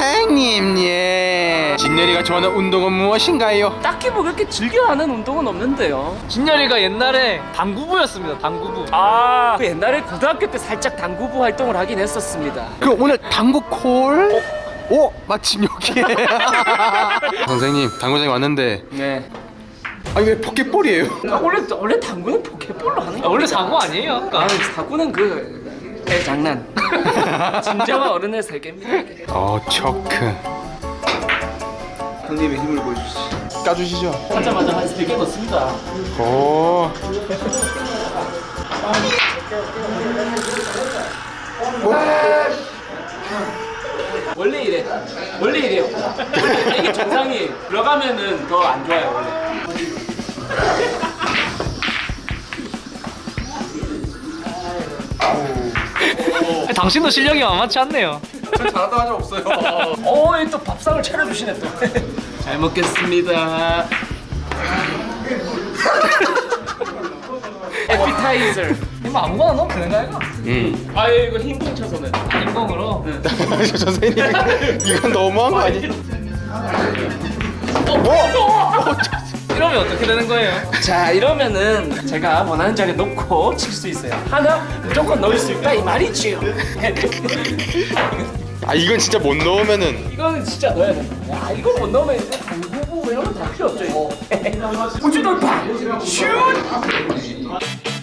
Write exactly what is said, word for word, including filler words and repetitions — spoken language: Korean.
선생님, 예. 진열이가 좋아하는 운동은 무엇인가요? 딱히 뭐 그렇게 즐겨하는 운동은 없는데요. 진열이가 옛날에 당구부였습니다. 당구부. 아, 그 옛날에 고등학교 때 살짝 당구부 활동을 하긴 했었습니다. 그럼 오늘 당구 콜? 오, 마침 여기에. 선생님, 당구장에 왔는데 네. 아니 왜 포켓볼이에요? 아, 원래 원래 당구는 포켓볼로 하는 아, 거. 원래 사고 아니에요? 아까. 아, 사구는 그 애 장난. 진정한 어른의 세계입니다. 이게. 어, 초크. 형님의 힘을 보여주시죠. 까주시죠. 하자마자 한 세 개 넣습니다. 오. 원래 이래. 원래 이래요. 원래 이게 정상이에요. 들어가면은 더 안 좋아요 원래. 당신도 실력이 만만치 않네요. 잘하다 하자 없어요. 어, 또 밥상을 차려주시네 또. 잘 먹겠습니다. 에피타이저. 이거 아무거나 넣으면 되는 거 아이가? 음. 아, 이거 흰공 쳐서는. 인공으로. 선생님, 이건 너무한 거 아니에요? 이러면 어떻게 되는 거예요? 자, 이러면은 제가 원하는 자리에 놓고 칠 수 있어요. 하나 무조건 넣을 수 있다 이 말이지요. 아, 이건 진짜 못 넣으면은. 이거는 진짜 넣어야 돼. 야, 이거 못 넣으면 이제 당구부 이런 거 다 필요 없죠. 이거. 우주 돌파. 슛.